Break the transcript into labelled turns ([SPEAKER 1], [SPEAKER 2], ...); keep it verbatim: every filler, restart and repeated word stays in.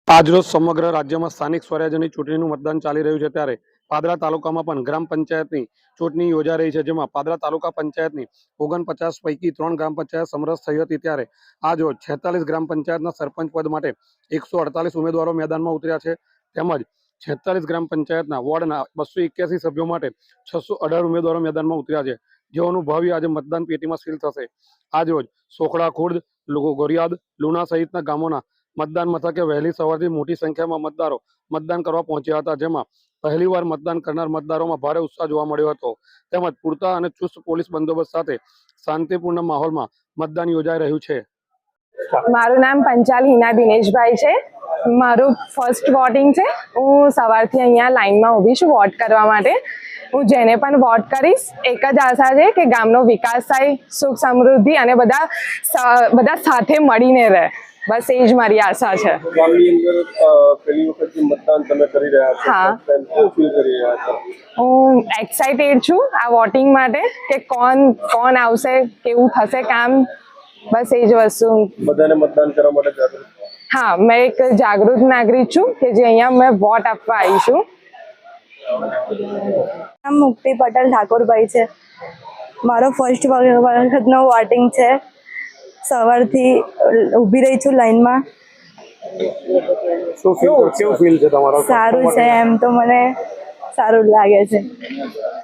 [SPEAKER 1] આજરોજ સમગ્ર રાજ્યમાં સ્થાનિક સ્વરાજ્યની ચૂંટણીનું મતદાન ચાલી રહ્યું છે ત્યારે પાદરા તાલુકામાં પણ ગ્રામ પંચાયતની ચૂંટણી યોજાઈ રહી છે, જેમાં પાદરા તાલુકા પંચાયતની ઓગણપચાસ પૈકી ત્રણ ગ્રામ પંચાયત સમરસ થઈ હતી ત્યારે આજરોજ છેતાલીસ ગ્રામ પંચાયતના સરપંચ પદ માટે એકસો અડતાલીસ ઉમેદવારો મેદાનમાં ઉતર્યા છે, તેમજ છેતાલીસ ગ્રામ પંચાયતના વોર્ડના બસો એક્યાસી સભ્યો માટે છસો અઢાર ઉમેદવારો મેદાનમાં ઉતર્યા છે, જેઓનું ભાવિ આજે મતદાન પેટીમાં સીલ થશે। આજરોજ સોખડા ખુર્દ, ગોરિયાદ, લુણા સહિતના ગામોના મતદાન મથકે વહેલી સવારથી મોટી સંખ્યામાં મતદારો મતદાન કરવા પહોંચ્યા હતા, જેમાં પહેલીવાર મતદાન કરનાર મતદારોમાં ભારે ઉત્સાહ જોવા મળ્યો હતો, તેમજ પૂરતા અને ચુસ્ત પોલીસ બંદોબસ્ત સાથે શાંતિપૂર્ણ માહોલમાં મતદાન યોજાઈ રહ્યું છે।
[SPEAKER 2] મારું નામ પંચાલ હિના દિનેશભાઈ છે। મારું ફર્સ્ટ વોટિંગ છે। હું સવારથી અહીંયા લાઈનમાં ઊભી છું વોટ કરવા માટે। હું જેને પણ વોટ કરીશ એક જ આશા છે કે ગામનો વિકાસ થાય, સુખ સમૃદ્ધિ અને બધા બધા સાથે મળીને રહે, બસ એ જ મારી આશા છે।
[SPEAKER 3] ગામની અંદર પહેલી વખત જે મતદાન તમે કરી રહ્યા છો,
[SPEAKER 2] હા,
[SPEAKER 3] શું ફીલ કરી રહ્યા છો?
[SPEAKER 2] હું એક્સાઇટેડ છું આ વોટિંગ માટે કે કોણ કોણ આવશે, કેવું થશે કામ, બસ એ જ વસ્તુ।
[SPEAKER 3] બધાને મતદાન કરવા માટે જાગૃત?
[SPEAKER 2] હા, મેં એક જાગૃત નાગરિક છું કે જે અહીંયા મેં વોટ આપવા આવી છું।
[SPEAKER 4] નામ મુક્તિ પટેલ ઠાકોરભાઈ છે। મારો ફર્સ્ટ વખતનો વોટિંગ છે। સવારથી ઊભી રહી છું લાઈનમાં।
[SPEAKER 1] શું ફીલ કેવું ફીલ છે તમારો?
[SPEAKER 4] સારું છે, એમ તો મને સારું લાગે છે।